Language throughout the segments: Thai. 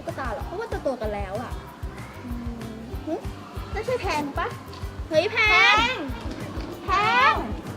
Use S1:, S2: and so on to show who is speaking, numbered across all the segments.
S1: ตุ๊กตาหรอกเพราะว่าโตๆกันแล้วอ่ะนั่นใช่แพงปะเฮ้ยแพงแพง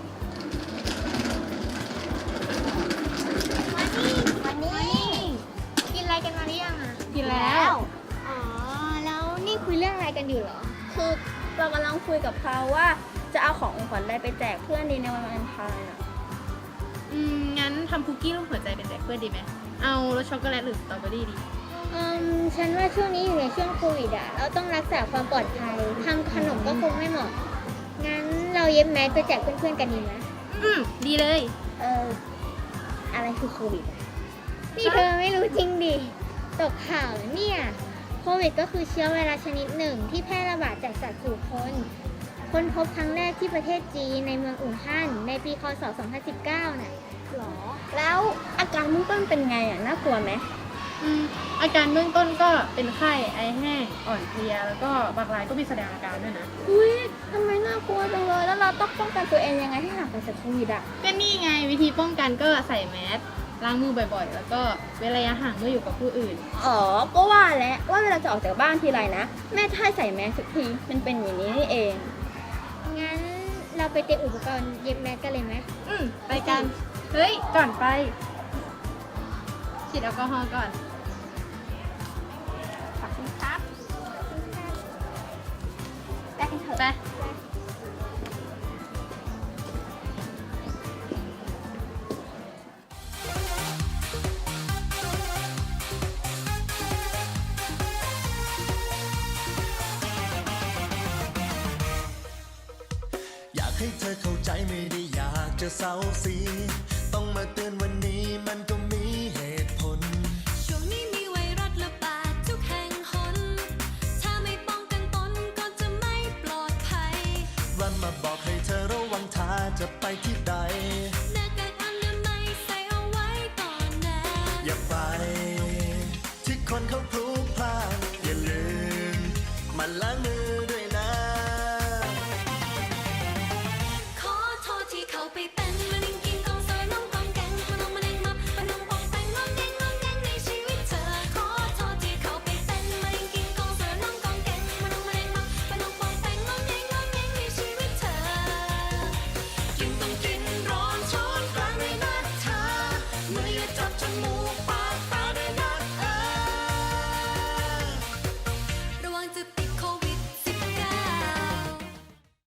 S2: มานี่กินอะไรกันมาหรือยังอ่ะ
S1: กินแล้ว
S2: อ๋อแล้วนี่คุยเรื่องอะไรกันอยู่เหรอ
S1: คือเรากำลังคุยกับเขาว่าจะเอาของขวัญอะไรไปแจกเพื่อนดีในวันวาเลนไทน์อ่ะ
S3: งั้นทำคุกกี้รูปหัวใจเป็นแจกเพื่อนดีไหม เอารสช็อกโกแลตหรือสตรอเบอรี่ดี
S2: ฉันว่าช่วงนี้อยู่ในช่วงโควิดอ่ะเราต้องรักษาความปลอดภัยทำขนมก็คงไม่เหมาะงั้นเราเย็บแมสไปแจกเพื่อนๆกันดีไหม
S3: ดีเลย
S1: อะไรคือโควิดอะ
S2: นี่เธอไม่รู้จริงดิตกข่าวแล้วเนี่ยโควิดก็คือเชื้อไวรัสชนิดหนึ่งที่แพร่ระบาดจากสัตว์สู่คนค้นพบครั้งแรกที่ประเทศจีนในเมืองอู่ฮั่นในปีคศ 2019 น่ะ
S1: หรอแล้วอาการเบื้องต้นเป็นไงอ่ะน่ากลัวไหม
S3: อาการเบื้องต้นก็เป็นไข้ ไอแห้ง อ่อนเพลีย แล้วก็บางรายก็มีแสดงอาการด้วยนะ
S1: อุ้ยทำไมน่ากลัวจังเลยแล้วเราต้องป้องกันตัวเองยังไงให้ห่างไกลจากโควิดอ่ะ
S3: ก็นี่ไงวิธีป้องกันก็ใส่แมส ล้างมือบ่อยๆ แล้วก็เว้นระยะห่างเมื่ออยู่กับผู้อื่น
S1: อ๋อก็ว่าแล้วว่าเวลาจะออกจากบ้านทีไรนะแม่ถ้าใส่แมสสักทีมันเป็นอย่างนี้นี่เอง
S2: งั้นเราไปเตรียมอุปกรณ์เย็บแมสกันเลยไหม
S3: ไปกัน เฮ้ย ก่อนไปฉีดแอลกอฮอล์ก่อน
S1: ขอบคุณครับไปกันเถอะ
S3: ไป
S4: อยากให้เธอเข้าใจไม่ได้อยากจะเศร้าสีต้องมาเตือนวันนี้มันก็มีเหตุผล
S5: ช่วงนี้มีไวรัสระบาดทุกแห่งหนถ้าไม่ป้องกันตนก็จะไม่ปลอดภัย
S4: รันมาบอกให้เธอระวังถ้าจะไปที่